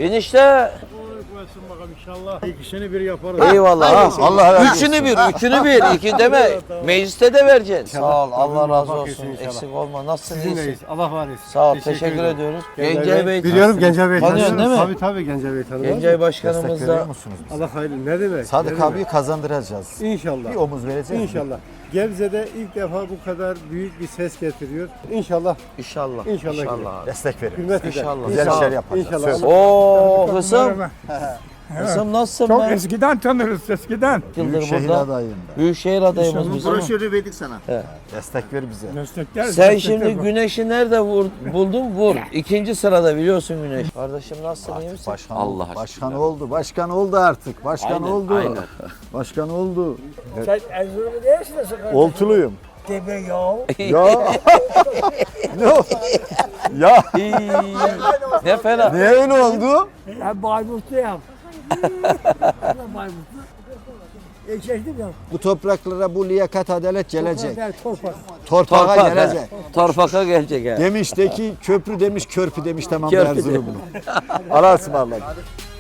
Enişte. Koysun bakalım inşallah. İkisini bir yaparız. Eyvallah. Ha. Allah razı olsun. Üçünü bir. İki deme. Mecliste de vereceksin. İnşallah. Sağ ol. Allah razı Bak olsun. etsin inşallah. Eksik olma. Nasılsın? İyisin? Sizinleyiz. Allah var etsin. Sağ ol. Teşekkür ediyoruz. Gencay Bey. Biliyorum Gencay Bey. Tanıyorsun değil mi? Tabii Gencay Bey tanımaz. Gencay Destek Başkanımız veriyor da. musunuz bize? Allah hayırlı. Ne demek? Sadık Ne demek? abiyi kazandıracağız. İnşallah. Bir omuz vereceğiz. İnşallah. Gebze'de ilk defa bu kadar büyük bir ses getiriyor. İnşallah. İnşallah. İnşallah. Destek verin. Hürmet eder. İnşallah. Güzel Sağ ol. işler yapacağız. İnşallah. Söz. Oo kızım. Kızım nasılsın Çok be? eskiden tanırız, eskiden. Yıldır Büyükşehir burada. adayım. Büyükşehir adayımız bizim. Broşürü verdik sana. Destek ver bize. Destekler. Sen şimdi Güneş'i nerede buldun? Vur. İkinci sırada biliyorsun Güneş. Kardeşim nasılsın? İyi misin? Başkan, Allah aşkına. başkan oldu artık. Başkan Aynen, oldu. aynen. Başkan oldu. Sen Erzurumlu değilsin de sen. Oltuluyum. Deme ya. Ya. No. Ya. İyi. Ne fena. Ne öyle oldu? Ben Bayburtluyum. Ben Bayburtlu. Geçtim ya. Bu topraklara bu liyakat adalet gelecek. Toprak. Torpağa Torpak, gelecek. Torpaka gelecek ha. Demiş de ki köprü demiş, körpü demiş tamam Körpü Erzurumlu. Allah'a ısmarladık.